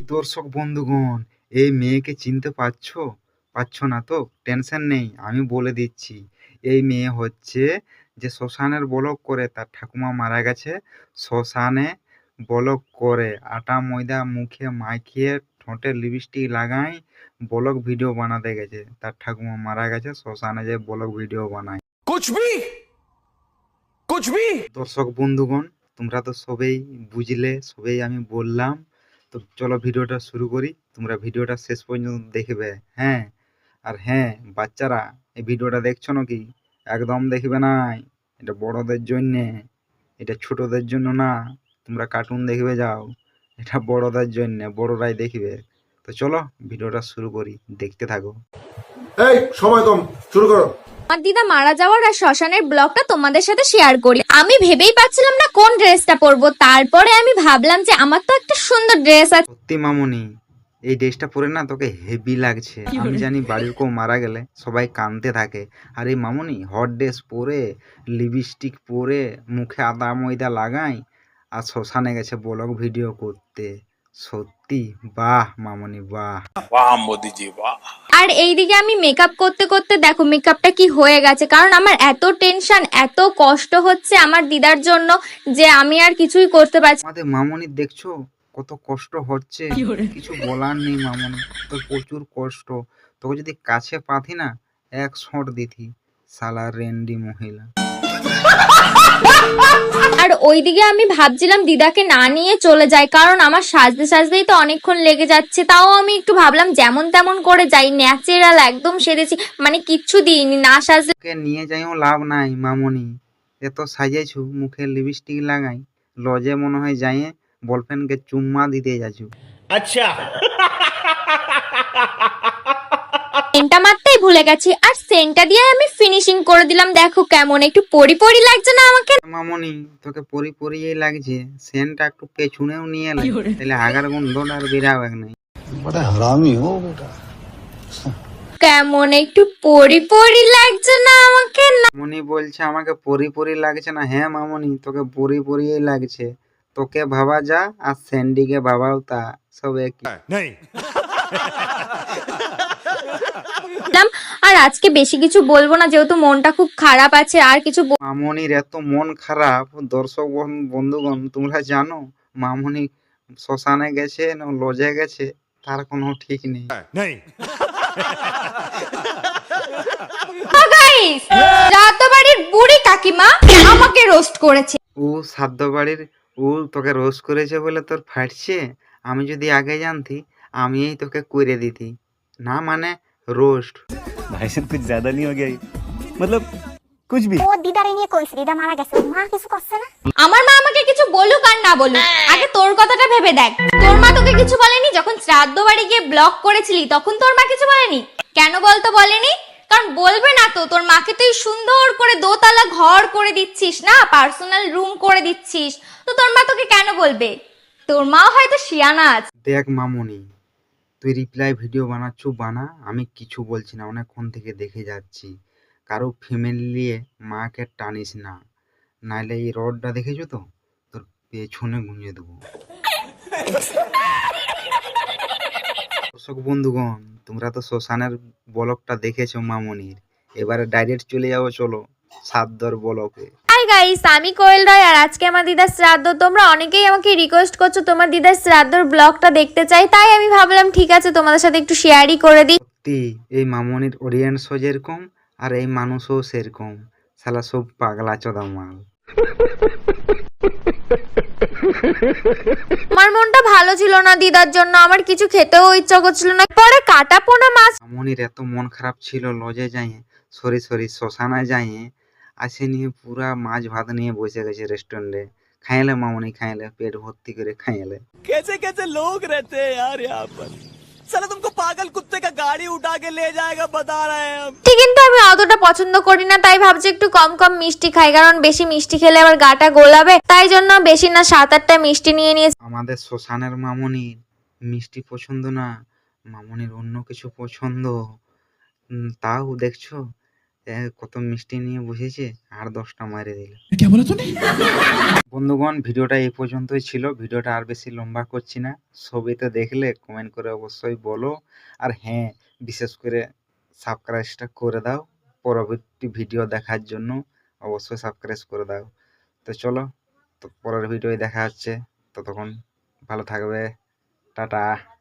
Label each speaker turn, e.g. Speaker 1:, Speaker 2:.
Speaker 1: দর্শক বন্ধুগণ, এই মেয়েকে চিনতে পারছো না তো? টেনশন নেই, আমি বলে দিচ্ছি। এই মেয়ে হচ্ছে যে শ্মশানের ব্লগ করে, তার ঠাকুমা মারা গেছে। শ্মশানে ব্লগ করে আটা ময়দা মুখে মাখিয়ে ঠোঁটে লিপস্টিক লাগাই ব্লগ ভিডিও বানাতে গেছে। তার ঠাকুমা মারা গেছে, শ্মশানে যে ব্লগ ভিডিও বানায়।
Speaker 2: कुछ भी कुछ भी
Speaker 1: দর্শক বন্ধুগণ, তোমরা তো সবেই বুঝলে, সবেই আমি বললাম। তো চলো ভিডিওটা শুরু করি, তোমরা ভিডিওটা শেষ পর্যন্ত দেখবে। হ্যাঁ, আর হ্যাঁ বাচ্চারা, এই ভিডিওটা দেখছো নাকি? একদম দেখবে না, এটা বড়দের জন্যে, এটা ছোটদের জন্য না। তোমরা কার্টুন দেখবে যাও, এটা বড়দের জন্যে, বড়রাই দেখবে। তো চলো ভিডিওটা শুরু করি, দেখতে থাকো।
Speaker 3: এই সময় কম, শুরু করো।
Speaker 4: আমার দিদা মারা যাওয়ার আর শ্মশানের ব্লগটা তোমাদের সাথে শেয়ার করি। আমি ভেবেই পাচ্ছিলাম না কোন ড্রেসটা পরবো, তারপরে আমি ভাবলাম যে আমার তো একটা সুন্দর ড্রেস আছে।
Speaker 1: সত্যি মামুনি, এই ড্রেসটা পরে না তোকে হেভি লাগছে। আমি জানি বাড়ির কেউ মারা গেলে সবাই কাঁদতে থাকে, আর এই মামুনি হট ড্রেস পরে, লিপস্টিক পরে, মুখে আদা ময়দা লাগাই আর শ্মশানে গেছে ব্লগ ভিডিও করতে। সত্যি বাহ মামুনি বাহ।
Speaker 2: वाह मोदी जी वाह।
Speaker 4: আর এইদিকে আমি মেকআপ করতে করতে দেখো মেকআপটা কি হয়ে গেছে, কারণ আমার এত টেনশন এত কষ্ট হচ্ছে আমার দিদার জন্য যে আমি আর কিছুই করতে পারছি।
Speaker 1: আমাদের মামুনির দেখছো কত কষ্ট হচ্ছে, কিছু বলার নেই মামুনি, তোর প্রচুর কষ্ট। তোকে যদি কাছে পাথি না, এক শট দিতি, শালা রেন্ডি মহিলা।
Speaker 4: আর ওইদিকে আমি ভাবছিলাম দিদাকে না নিয়ে চলে যাই, কারণ আমার সাজতে সাজতেই তো অনেকক্ষণ লেগে যাচ্ছে। তাও আমি একটু ভাবলাম যেমন তেমন করে যাই, ন্যাচারাল একদম সেরেছি, মানে কিচ্ছু দিইনি, না সাজলে।
Speaker 1: তোকে নিয়ে যাইও লাভ নাই মামুনি, এত সাজেছু, মুখে লিপস্টিক লাগাই, লজে মনে হয় যাইয়ে বলফ্রেন্ডকে চুম্মা দিতে যাচ্ছু।
Speaker 2: अच्छा
Speaker 4: সেন্টটা মারতেই ভুলে গেছি, আর সেন্টটা দিয়ে আমি ফিনিশিং করে দিলাম। দেখো কেমন একটু পরি পরি লাগছে না আমাকে?
Speaker 1: মামুনি তোকে পরি পরিয়েই লাগছে, সেন্টটা একটু পেছনেও নিয়ে এলে তাহলে আগার গন্ধটা আর বেরাবে নাই।
Speaker 3: बड़ा हरामी हो बेटा।
Speaker 4: কেমন একটু পরি পরি লাগছে না আমাকে? না
Speaker 1: মামুনি বলছে আমাকে পরি পরি লাগছে না। হ্যাঁ মামুনি, তোকে পরি পরিয়েই লাগছে। তোকে ভাবা যা আর স্যান্ডিকে ভাবাও তা, সব একই।
Speaker 2: नहीं
Speaker 4: আর আজকে বেশি কিছু বলবো না, যেহেতু মনটা খুব খারাপ আছে। আর কিছু
Speaker 1: মামুনির এত মন খারাপ, দর্শক বন্ধুগণ তোমরা জানো মামুনি শ্মশানে গেছে না লজে গেছে তার কোনো ঠিক নেই।
Speaker 2: नहीं
Speaker 4: গাইস, রাতবাড়ির বুড়ি কাকিমা আমাকে রোস্ট করেছে।
Speaker 1: ও সাধ্য বাড়ির, ও তোকে রোস্ট করেছে বলে তোর ফাটছে। আমি যদি আগে জানতি আমি এই তোকে করে দিতি। না মানে রোস্ট।
Speaker 5: भाई साहब कुछ ज्यादा नहीं हो गया ये? मतलब कुछ भी।
Speaker 6: ও দিদারে নিয়ে কইছে, দিদা মারা গেছে, মা কিছু করছে না।
Speaker 4: আমার মা আমাকে কিছু বলুক আর না বলুক, আগে তোর কথাটা ভেবে দেখ। তোর মা তোকে কিছু বলেনি? যখন শ্রাদ্ধ বাড়ি গিয়ে ব্লগ করেছিলি তখন তোর মা কিছু বলেনি? কেন বলতো বলেনি? কারণ বলবে না তো, তোর মাকে তুই সুন্দর করে দোতলা ঘর করে দিচ্ছিস না, পার্সোনাল রুম করে দিচ্ছিস, তো তোর মা তোকে কেন বলবে? তোর মাও হয়তো শিয়ানা আছে।
Speaker 1: দেখ মামুনি, তুই রিপ্লাই ভিডিও বানাচ্ছু বানা, আমি কিছু বলছি না, অনেকক্ষণ থেকে দেখে যাচ্ছি। কারো ফ্যামিলি নিয়ে মাকে টানিস না, নাইলে এই রডটা দেখেছো তো, তোর পেছনে গুঁজে দেবো। দর্শক বন্ধুগণ, তোমরা তো শ্মশানের ব্লগটা দেখেছো মামুনির, এবারে ডাইরেক্ট চলে যাবো চলো সাদ্দর ব্লগে।
Speaker 4: হাই গাইস, আমি কোয়েল রায়, আর আজকে আমার দিদার শ্রাদ্ধ। তোমরা অনেকেই আমাকে রিকোয়েস্ট করছো তোমার দিদার শ্রাদ্ধর ব্লগটা দেখতে চাই, তাই আমি ভাবলাম ঠিক আছে তোমাদের সাথে একটু শেয়ারই করে দিই।
Speaker 1: সত্যি এই মামুনির অডিয়েন্সও যেরকম আর এই মানুষও সেরকম, শালা সব পাগলা চোদা মাল।
Speaker 4: আমার মনটা ভালো ছিল না দিদার জন্য, আমার কিছু খেতেও ইচ্ছা করছিল না। পরে কাটা পোনা মাছ
Speaker 1: মামুনির এত মন খারাপ ছিল, লজে যাইয়ে সরি শ্মশানে যাইয়ে আসে নিয়ে পুরা মাছ ভাত নিয়ে বসে গেছে রেস্টুরেন্টে। খাইলে মামুনি, খাইলে পেট ভর্তি করে খাইলে।
Speaker 5: कैसे कैसे लोग रहते हैं यार यहाँ पर। साला तुमको पागल कुत्ते का गाड़ी उठा के ले जाएगा बता रहे हैं हम।
Speaker 4: ঠিক, কিন্তু আমি অতটা পছন্দ করি না, তাই ভাবছি একটু কম কম মিষ্টি খাই, কারণ বেশি মিষ্টি খেলে আবার গাটা গোলাবে। তাই জন্য বেশি না 7-8টা মিষ্টি নিয়ে নিয়েছি।
Speaker 1: আমাদের শ্মশানের মামুনির মিষ্টি পছন্দ না, মামুনির অন্য কিছু পছন্দ। তাও দেখছো কত মিষ্টি নিয়ে বসেছে, আর 10টা মারে দিল। বন্ধুগণ, ভিডিওটা এই পর্যন্তই ছিল। ভিডিওটা আর বেশি লম্বা করছি না। ছবি তো দেখলে কমেন্ট করে অবশ্যই বলো। আর হ্যাঁ, বিশেষ করে সাবস্ক্রাইবটা করে দাও। পরবর্তী ভিডিও দেখার জন্য অবশ্যই সাবস্ক্রাইব করে দাও। তো চলো, তো পরের ভিডিওয় দেখা হচ্ছে। ততক্ষণ ভালো থাকবে। টাটা।